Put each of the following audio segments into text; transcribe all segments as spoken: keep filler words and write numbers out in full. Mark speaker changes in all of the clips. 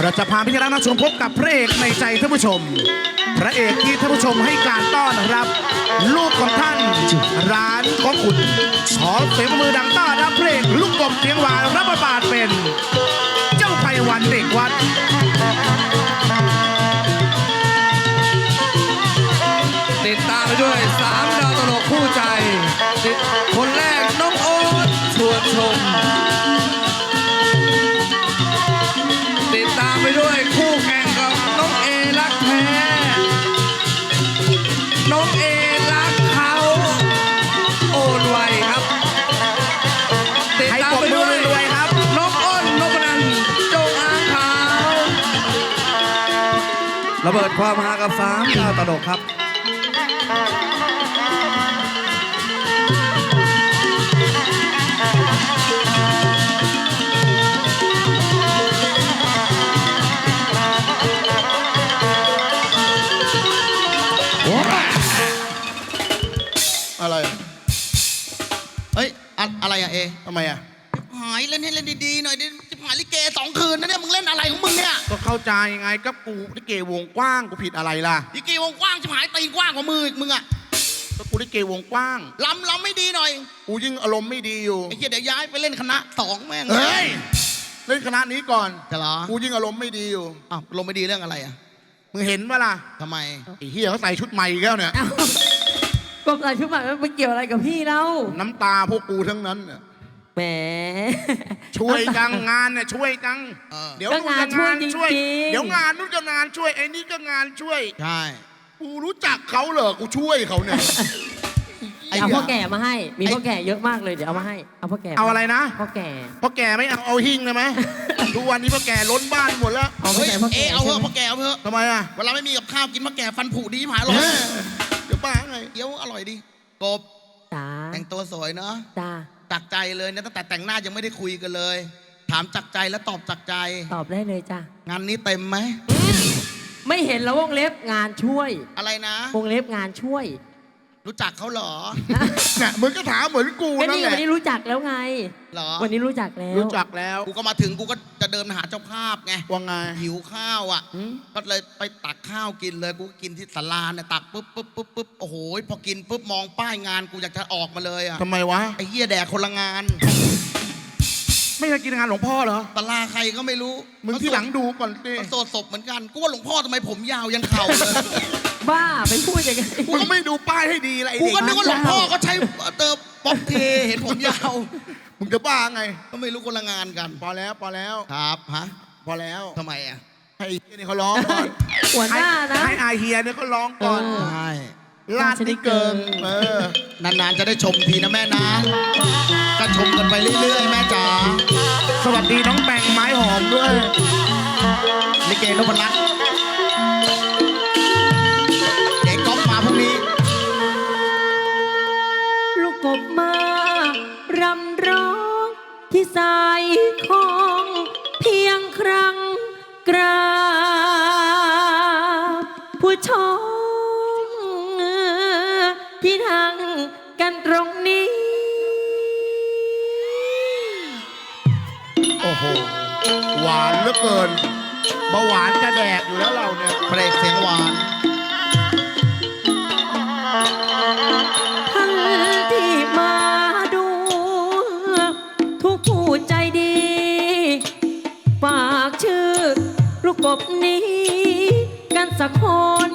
Speaker 1: เราจะพาพี่น้องนักชมพบกับพระเอกในใจท่านผู้ชมพระเอกที่ท่านผู้ชมให้การต้อนรับลูกของท่านร้านของคุณขอเสียงมือดังต้อนรับพระเอกลูกกบเสียงหวานรับบทบาทเป็นเจ้าไพวันเด็กวัด
Speaker 2: ติดตามไปด้วยสามดาวตลกคู่ใจคนแรกน้องโอ๊ตชวนชมติดตามไปด้วยคู่แข่งกับน้องเอรักแท้น้องเอรักเขาโอนไวครับติดตามไปด้วยครับน้องอ้นนพนันท์จงอางขาวระเบิดความฮากับสามดาวตลกครับ
Speaker 3: อะไรเฮ้ยอะอะไรอะเอ
Speaker 1: ทำไมอ่ะ
Speaker 3: หายเล่นให้เล่นดีๆหน่อยดิหายลิเกสองคืนนะเนี่ยมึงเล่นอะไรของมึงเนี่ย
Speaker 1: ก็เข้าใจไงกับกูลิเกวงกว้างกูผิดอะไรล่ะ
Speaker 3: ลิเกวงกว้างจะหายตีนกว้างกว่ามืออีกมึงอะ
Speaker 1: ก็กูลิเกวงกว้าง
Speaker 3: ลำลำไม่ดีหน่อย
Speaker 1: กูยิ่งอารมณ์ไม่ดีอยู่
Speaker 3: ไอ้เหี้ยเดี๋ยวย้ายไปเล่นคณะสองแม่ง
Speaker 1: เฮ้ยเล่นคณะนี้ก่อน
Speaker 3: จะเหรอ
Speaker 1: กูยิ่งอารมณ์ไม่ดีอยู่
Speaker 3: อ้าวอารมณ์ไม่ดีเรื่องอะไรอะ
Speaker 1: มึงเห็นปะล่ะ
Speaker 3: ทำไม
Speaker 1: ไอ้เหี้ยเขาใส่ชุดใหม่แล้วเนี่ย
Speaker 4: ก็ใส่ชุดใหม่มันเกี่ยวอะไรกับพี่เรา
Speaker 1: น้ำตาพวกกูทั้งนั้นเนี่ย
Speaker 4: แหม
Speaker 1: ช่วยจังงานเนี่ยช่วยจังเดี๋ยว
Speaker 4: งานช่วยช่วย
Speaker 1: เดี๋ยวงานนู้นก็งานช่วยไอ้นี่ก็งานช่วย
Speaker 3: ใช่
Speaker 1: กูรู้จักเขาเหรอกูช่วยเขาเนี่ย
Speaker 4: เอาพ่อแก่มาให้มีพ่อแก่เยอะมากเลยเดี๋ยวเอามาให้เอาพ่อแก่
Speaker 1: เอาอะไรนะ
Speaker 4: พ่อแก่
Speaker 1: พ่อแก่ไม่เอาเอาหิ้งได้ไหมทุกวันนี้พ่อแก่ล้นบ้านหมดแล้ว
Speaker 3: เอาพ่อแก่พ่อแก่เอาเถอะพ่อแก่เอาเถอะ
Speaker 1: ทำไมอ่ะ
Speaker 3: เวลาไม่มีกับข้าวกินพ่อแก่ฟันผุดีหายหรอ
Speaker 1: เดี๋ยวป้าไง
Speaker 3: เดี๋ยวอร่อยดีกบแต่งตัวสวยเนาะ
Speaker 4: จ้า
Speaker 3: จากใจเลยนะตั้งแต่แต่งหน้ายังไม่ได้คุยกันเลยถามจากใจแล้วตอบจากใจ
Speaker 4: ตอบได้เลยจ้
Speaker 3: างานนี้เต็มไหม
Speaker 4: ไม่เห็นแล้ววงเล็บงานช่วย
Speaker 3: อะไรนะ
Speaker 4: วงเล็บงานช่วย
Speaker 3: รู้จักเขาเหรอ
Speaker 1: เนี่ยมึงก็ถามเหมือนกูนั่นแหละ
Speaker 4: วันนี้รู้จักแล้วไง
Speaker 3: เหรอ
Speaker 4: วันนี้รู้จักแล้ว
Speaker 1: รู้จักแล้ว
Speaker 3: กูก็มาถึงกูก็จะเดินหาเจ้าภาพไง
Speaker 1: ว่าไง
Speaker 3: หิวข้าวอ่ะก็เลยไปตักข้าวกินเลยกูกินที่ศาลาเนี่ยตักปุ๊บปุ๊บปุ๊บปุ๊บโอ้โหพอกินปุ๊บมองป้ายงานกูอยากจะออกมาเลยอ่ะ
Speaker 1: ทำไมวะ
Speaker 3: ไอ้เหี้ยแดกคนละงาน
Speaker 1: ไม่เคยกินงานหลวงพ่อเหรอ
Speaker 3: ศาลาใครก็ไม่รู้
Speaker 1: มึงที่หลังดูก่อนสิ
Speaker 3: โสดศพเหมือนกันกูว่าหลวงพ่อทำไมผมยาวยันเข่าเลย
Speaker 4: บ้าไปพูดอย่างนี้
Speaker 1: กูไม่ดูป้ายให้ดีอะไร
Speaker 3: กูก็นึกว่าหลวงพ่อก็ใช้เติมป๊อปเทเห็นผมยาว
Speaker 1: มึงจะบ้าไง
Speaker 3: ก็ไม่รู้คนละงานกัน
Speaker 1: พอแล้วพอแล้ว
Speaker 3: ครับฮะ
Speaker 1: พอแล้ว
Speaker 3: ทำไมอ่ะ
Speaker 1: ให้เฮียนี่เขาร้องก่อน
Speaker 4: หัวหน้านะ
Speaker 1: ให้อาเฮียเนี่ยเขาร้องก่อน
Speaker 3: ใช่
Speaker 1: ลาดนิเกิงเอ
Speaker 3: อนานๆจะได้ชมทีนะแม่นะก็ชมกันไปเรื่อยๆแม่จ๋า
Speaker 1: สวัสดีน้องแปงไม้หอมด้วย
Speaker 3: ลิเกนพรัตน์เด็กก๊อฟมาพรุ่งนี้
Speaker 4: ลูกกบมารำร้องที่สายของเพียงครั้งกราบผู้ชมที่นั่งกันตรงนี้
Speaker 1: โอ้โหหวานเหลือเกินเบาหวานจะแดกอยู่แล้วเราเนี่ย
Speaker 3: เพลงเสียงหวาน
Speaker 4: ท่านที่มาดูทุกผู้ใจดีฝากชื่อลูกกบนี้กันสักคน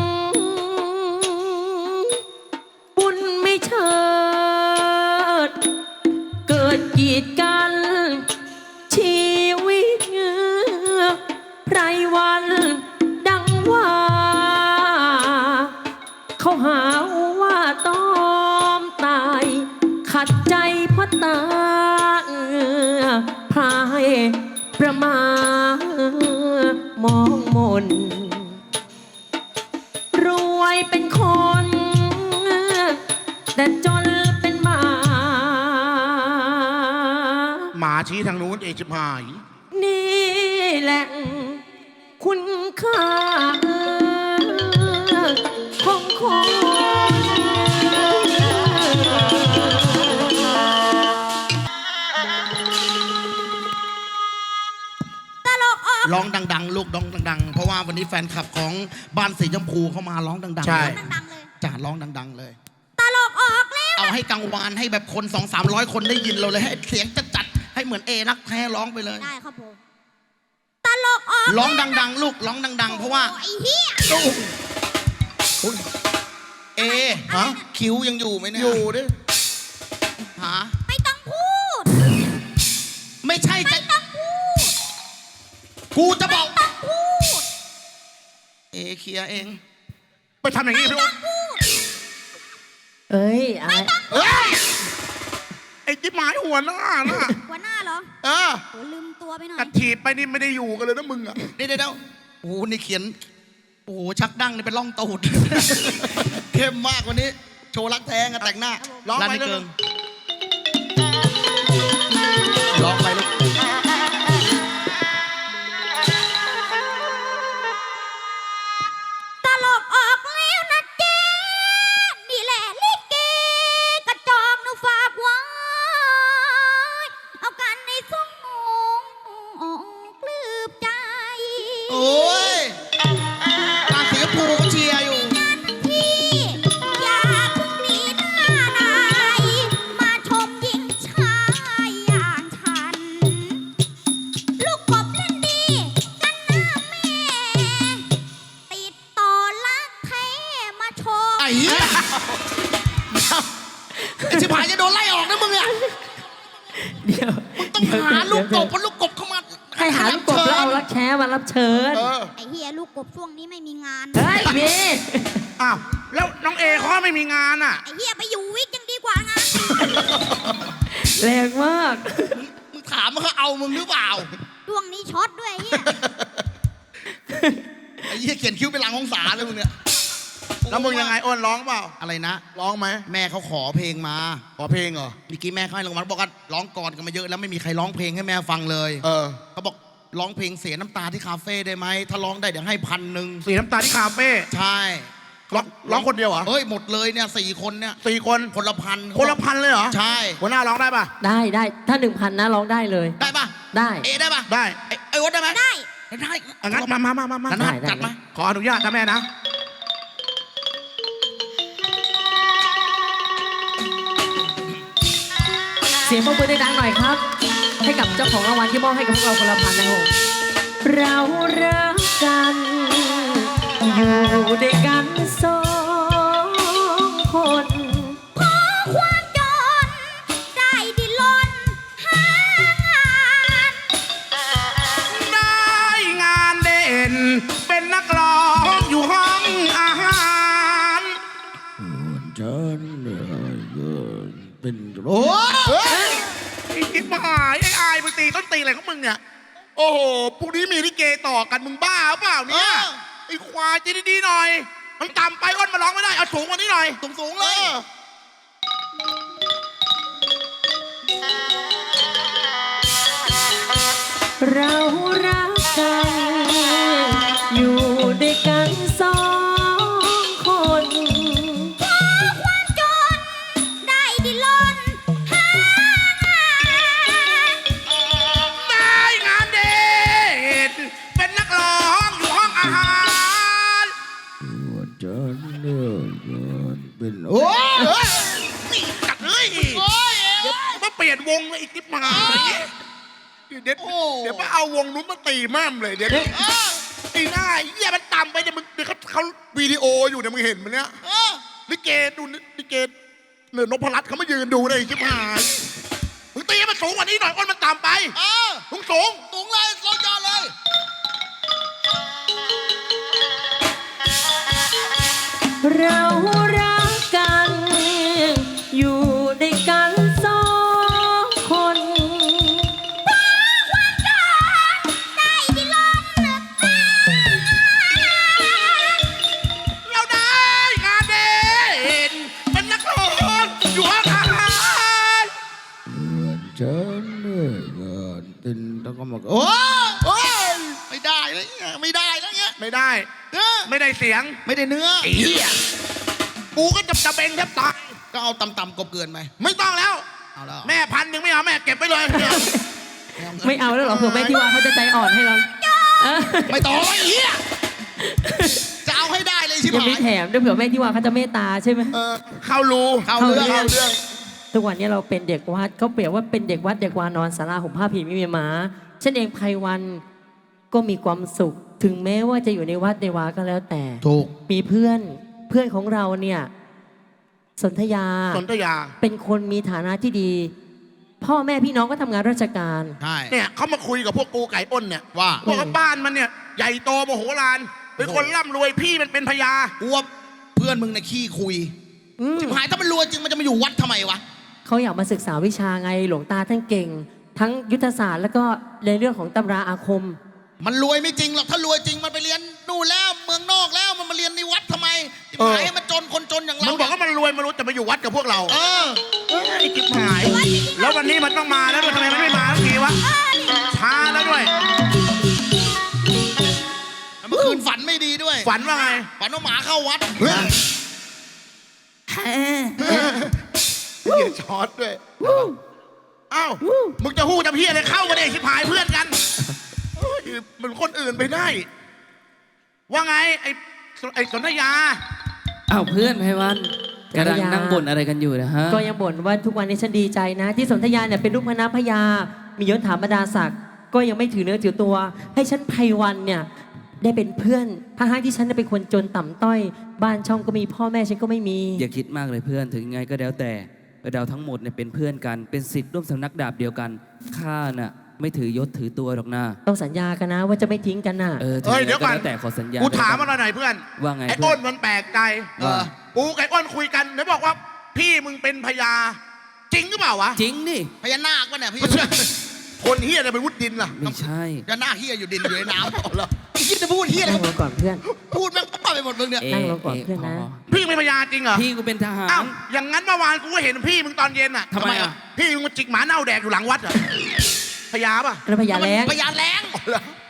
Speaker 4: บุญไม่เชิดเกิดกีดกันชีวิตไพรวันดังว่าเขาหาว่าตอมตายขัดใจพ่อตาพายประมามองมนรวยเป็นคนแต่จนเป็นหมา
Speaker 1: หมาชี้ทางนู้นเอจิบหาย
Speaker 4: นี่แหละคุณค่าของคน
Speaker 3: ร้องดังๆๆ ลูกร้องดังๆ เพราะว่าวันนี้แฟนคลับของบ้านสีชมพูเข้ามาร้องดังๆ
Speaker 1: ใช่
Speaker 3: เลย
Speaker 5: ดังๆเลย
Speaker 3: จ่าร้องดังๆเลย
Speaker 5: ตลกออกแล้ว
Speaker 3: เอาให้กังวานให้แบบคนสองสามร้อยคนได้ยินเราเลยให้เสียงจัดๆให้เหมือนเอรักแท้ร้องไปเลย
Speaker 5: ได้ครับผมตลกออก
Speaker 3: ร้องดังๆ ลูกร้องดังๆ เพราะว่า
Speaker 5: โอ้ไอ้เหี้ย
Speaker 3: เอฮะคิ้วยังอยู่ไหมเนี่ย
Speaker 1: อยู่ดิ
Speaker 3: หา
Speaker 5: ไม่ต้องพูด
Speaker 3: ไม่ใช่จะ
Speaker 5: ไม่ต้องพูด
Speaker 3: กูจะบอก
Speaker 5: ต้องพูด
Speaker 3: เอเคลียร์เอง
Speaker 1: ไปทำอย่างนี้พี่อ้น
Speaker 4: เอ้ยอะไร
Speaker 1: เฮ้ยไอ้จิ๊บหมายหัวหน้าน่ะ
Speaker 5: หัวหน้าเหรอ
Speaker 1: เออ
Speaker 5: โหลืมตัวไปหน่อย
Speaker 1: กัดถีบไปนี่ไม่ได้อยู่กันเลยนะมึงอ่ะ
Speaker 3: เดี๋ยวเดี๋ยวโอ้โหนี่เขียน โอ้โห ชักดั้งนี่เป็นร่องตูด เข้มมากวันนี้ โชว์รักแท้งกันแต่งหน้า
Speaker 1: ร้องไป
Speaker 3: ร้านนี้
Speaker 1: เรื่
Speaker 3: เกิ
Speaker 1: อย
Speaker 3: งร้องไปลูก
Speaker 5: ตลกออกแล้วนะเจ๊นี่แหละลิเกกระจอกหนูฝากไว้ เอากันในสมองปลื้มใจ
Speaker 3: โอ้ยบ้านสีชมพูก็เชียร์อยู่
Speaker 5: พี่อย่าเพิ่งหนีหน้านายมาชมหญิงชายอย่างฉัน ลูกกบเล่นดีกันหน้าแม่ ติดต่อรักแท้มาชม
Speaker 3: ไอ้เหี้ยไอ้ชิบหายจะโดนไล่ออกนะมึงอะ
Speaker 4: เดี๋ยว
Speaker 3: ต้องหาลูกกบเพราะลูกกบเข้ามา
Speaker 4: ให้หาลูกกบแล้วเอารักแช้มารับเชิญ
Speaker 1: เออ
Speaker 5: ไอ้เฮียลูกกบช่วงนี้ไม่มีงาน
Speaker 4: เฮ้ยมี
Speaker 1: อ้าวแล้วน้องเอเขาไม่มีงานอ่ะ
Speaker 5: ไอ้เฮียไปอยู่วิกยังดีกว่างาน
Speaker 4: แรงมาก
Speaker 3: มึงถามว่าเขาเอามึงหรือเปล่า
Speaker 5: ช่วงนี้ช็อตด้วยไอ้เฮีย
Speaker 3: ไอ้เหี้ยเขียนคิ้วเป็นหลังองศาเลยมึงเนี่ย
Speaker 1: แล้วมึงยังไงอ้นร้องเปล่า
Speaker 3: อะไรนะ
Speaker 1: ร้องไหม
Speaker 3: แม่เขาขอเพลงมา
Speaker 1: ขอเพลงเหรอ
Speaker 3: เมื่อกี้แม่เขาให้รางวัลบอกว่าร้องก่อนกันมาเยอะแล้วไม่มีใครร้องเพลงให้แม่ฟังเลย
Speaker 1: เออ
Speaker 3: เขาบอกร้องเพลงเสียน้ำตาที่คาเฟ่ได้ไหมถ้าร้องได้เดี๋ยวให้พันหนึ่ง
Speaker 1: สีน้ำตาที่คาเฟ่
Speaker 3: ใช่
Speaker 1: ร้องร้องคนเดียวเหรอ
Speaker 3: เฮ้ยหมดเลยเนี่ยสี่คนเนี่ย
Speaker 1: สี่คน
Speaker 3: คนละพัน
Speaker 1: คนละพันเลยเหรอ
Speaker 3: ใช่
Speaker 1: หัวหน้าร้องได้ป่ะ
Speaker 4: ได้ได้ถ้าหนึ่งพันนะร้องได้เลย
Speaker 3: ได้ปะ
Speaker 4: ได้
Speaker 3: เอได้ปะ
Speaker 1: ได้
Speaker 3: ไอ้ไอ้วดได้ไหม
Speaker 5: ได้
Speaker 3: ได้
Speaker 1: อ่ะงั้นมามามามามา
Speaker 3: นัน
Speaker 4: ได้
Speaker 3: นัด
Speaker 4: ได้
Speaker 3: จัดไหม
Speaker 1: ขออนุญาตนะแม่นะ
Speaker 4: เสียงปรบมือดังๆหน่อยครับ ให้กับเจ้าของรางวัลที่มอบให้กับพวกเราคนละพันนะครับผมเรารักกัน อยู่ด้วยกันสองคน
Speaker 5: ขอความจนได้ดินรนหางาน
Speaker 1: ได้งานเด่น เป็นนักร้องอยู่ห้องอาหาร
Speaker 3: ฉันเป็นโอ้
Speaker 1: เฮ้ยไอ้กิ๊บหายไอ้อายมึงตีต้นตีอะไรของมึงเนี่ย โอ้โหพรุ่งนี้มีลิเกต่อกันมึงบ้าหรือเปล่าเนี่ยไอ้ควายใจดีๆหน่อย มันต่ำไปอ้นมาร้องไม่ได้ เอาสูงกว่านี้หน่อย
Speaker 3: สูงสูงๆเลย
Speaker 4: เรารักกัน อยู่ด้วยกันสองคน
Speaker 5: ขอความจนได้ดินรนหางาน
Speaker 1: ได้งานเด่น เป็นนักร้องอยู่ห้องอาหาร
Speaker 3: ฉันเนี่ยเป็นโอ้
Speaker 1: เฮ้ยนี่กัดเลยเดี๋ยวมาเปลี่ยนวงเลยอีกนิดมาเดี๋ยวเดี๋ยวมาเอาวงนู้นมาตีแม่มเลยเดี๋ยวตีหน้าไอ้เหี้ยมันต่ำไปเดี๋ยวมึงเดี๋ยวเขาเขาวิดีโออยู่เนี่ยมึงเห็นมันเนี้ยลิเกดูลิเกเหนือนพรัตน์เขามายืนดูเลยชิบหายมึงตีให้มันสูงกว่านี้หน่อยอ้นมันต่ำไปสูงสูง
Speaker 3: สูงเลยสูงยอดเลย
Speaker 4: เรารักกัน อยู่ด้วยกันสองคน
Speaker 5: ได้ดินรนหางาน
Speaker 1: เราได้งานเด่นเป็นนักร้องอยู่ห้องอาหาร
Speaker 3: ฉันเนี่ยเป็นต้องก็มาโอ้โอ้ยไม่ได้แล้วเนี่ยไม่ได้แล้วเนี่ย
Speaker 1: ไม่ได้
Speaker 3: เออ
Speaker 1: ไม่ได้เสียง
Speaker 3: ไม่ได้เนื้อ
Speaker 1: ไอ้เหี้ยกูก็จะจะเบงแทบตาย
Speaker 3: ก็เอาต่ำๆกบเกินไป
Speaker 1: ไม่ต้องแล้ว
Speaker 3: เอาแล้ว
Speaker 1: แม่พันหนึ่งไม่เอาแม่เก็บไปเลย
Speaker 4: ไม่เอาแล้วเหรอเผื่อแม่ที่ว่าเขาจะใจอ่อนให้เรา
Speaker 5: จ
Speaker 3: ไม่ต้องไอ้เหี้ยจะเอาให้ได้เลยใช่ไห
Speaker 4: ยัง
Speaker 3: ม
Speaker 4: มีแถมด้วยเผื่อแม่ที่ว่าเขาจะเมตตาใช่ไหม
Speaker 3: เออ
Speaker 1: เข้ารู
Speaker 3: เข้าเรื่องเข้าเรื่อง
Speaker 4: ทุกวันนี้เราเป็นเด็กวัดเขาเปรียบว่าเป็นเด็กวัดเด็กวานอนศาลาห่มผ้าผีไม่มีหมาฉันเองไพวันก็มีความสุข ถึงแม้ว่าจะอยู่ในวัดในวาก็แล้วแต่
Speaker 3: ถูก
Speaker 4: มีเพื่อนเพื่อนของเราเนี่ยสนธยา
Speaker 1: สนธยา
Speaker 4: เป็นคนมีฐานะที่ดี พ่อแม่พี่น้องก็ทำงานราชการ
Speaker 3: ใช่
Speaker 1: เนี่ยเขามาคุยกับพวกกูไก่อ้นเนี่ย
Speaker 3: ว่า
Speaker 1: บอกว่าบ้านมันเนี่ยใหญ่โตมโหฬารเป็นคนร่ำรวยพี่มันเป็นพญา
Speaker 3: กูว่าเพื่อนมึงในะขี้คุย
Speaker 4: อืม
Speaker 3: จิบหายถ้ามันรวยจริงมันจะมาอยู่วัดทำไมวะ
Speaker 4: เขาอยากมาศึกษาวิชาไงหลวงตาท่านเก่ง ทั้งยุทธศาสตร์แล้วก็ในเรื่องของตำราอาคม
Speaker 3: มันรวยไม่จริงหรอกถ้ารวยจริงมันไปเรียนนู่นแล้วเมืองนอกแล้วมันมาเรียนในวัดทำไมจิบหายให้มันจนคนจนอย่างเรา
Speaker 1: มันบอกว่ามันรวยมันรู้แต่มาอยู่วัดกับพวกเรา
Speaker 3: เออ
Speaker 1: ไอ้จิบหาย แล้ววันนี้มันต้องมาแล้วด้วยทำไมมันไม่มาสักทีวะช้าแล้วด้วย
Speaker 3: เมื่อคืนฝันไม่ดีด้วย
Speaker 1: ฝันว่าไง
Speaker 3: ฝันว่าหมาเข้าวัด
Speaker 1: เหี้ยช็อตด้วยเอ้ามึงจะหู้จะเพี้ยอะไรเข้ามาเด็กชิบหายเพื่อนกันเอ้ยมันคนอื่นไปได้ ว่าไงไอ้ไอ้สนธยา
Speaker 2: อ้าวเพื่อนไพวันกำลังนั่งบ่นอะไรกันอยู่นะฮะ
Speaker 4: ก็ยังบ่นว่าทุกวันนี้ฉันดีใจนะ ที่สนธยาเนี่ยเป็นลูกพระนาพญามียศถาบรรดาศักดิ์ก็ยังไม่ถือเนื้อถือตัว ให้ฉันไพวันเนี่ยได้เป็นเพื่อนทั้งๆที่ฉันเป็นคนจนต่ำต้อย บ้านช่องก็มีพ่อแม่ฉันก็ไม่มี
Speaker 2: อย่าคิดมากเลยเพื่อนถึงยังไงก็แล้วแต่เราทั้งหมดเนี่ยเป็นเพื่อนกันเป็นศิษย์ร่วมสำนักดาบเดียวกันข้าน่ะไม่ถือยศถือตัวหรอกนะ
Speaker 4: ต้องสัญญากันนะว่าจะไม่ทิ้งกันน่ะ
Speaker 2: เออถึง
Speaker 1: เฮ้ย
Speaker 2: ยัง
Speaker 1: เดี๋
Speaker 2: ไง
Speaker 1: ยว
Speaker 2: ก็
Speaker 1: ก่อน
Speaker 2: แล้วแต่ขอสัญญา
Speaker 1: กูถาม
Speaker 2: ด้
Speaker 1: มันหน่อยเพื่อน
Speaker 2: ว่าไง
Speaker 1: ไอ้
Speaker 2: เพื่
Speaker 1: อ้
Speaker 2: อน
Speaker 1: นมันแปลกใจ
Speaker 3: เออ
Speaker 1: กูกับไอ้อ้นคุยกันไหนบอกว่า พี่มึงเป็นพญาจริงหรือเปล่าวะ
Speaker 2: จริงนี่
Speaker 3: พญานาคปะเนี่ยพี่
Speaker 1: คนเฮียอะไรเป็นวุฒิดินล่ะ
Speaker 2: ไม่ใช่
Speaker 3: พญานาคเฮียอยู่ดินอยู่ในน้ำเหรอไอ้คิดจะพูดเฮียอะไร
Speaker 4: นั่งลงก่อนเพื่อน
Speaker 3: พูดแม่งป้าไปหมดมึงเนี่ย
Speaker 2: เอ๊ะ
Speaker 4: นั่งลงก่อนเพื่อนนะ
Speaker 1: พี่เป็นพญาจริงเหรอ
Speaker 2: พี่กูเป็นทหาร
Speaker 1: อ้าวอย่างนั้นเมื่อวานกูก็เห็นพี่มึงตอนเย็นอ่ะ
Speaker 2: ทำไมอ่ะ
Speaker 1: พี่มึงมาจิกหมาเน่าแดกอยู่หลังวัดเหรอพญาป่ะ
Speaker 4: แล้วพญาแล้ง
Speaker 3: พญาแรง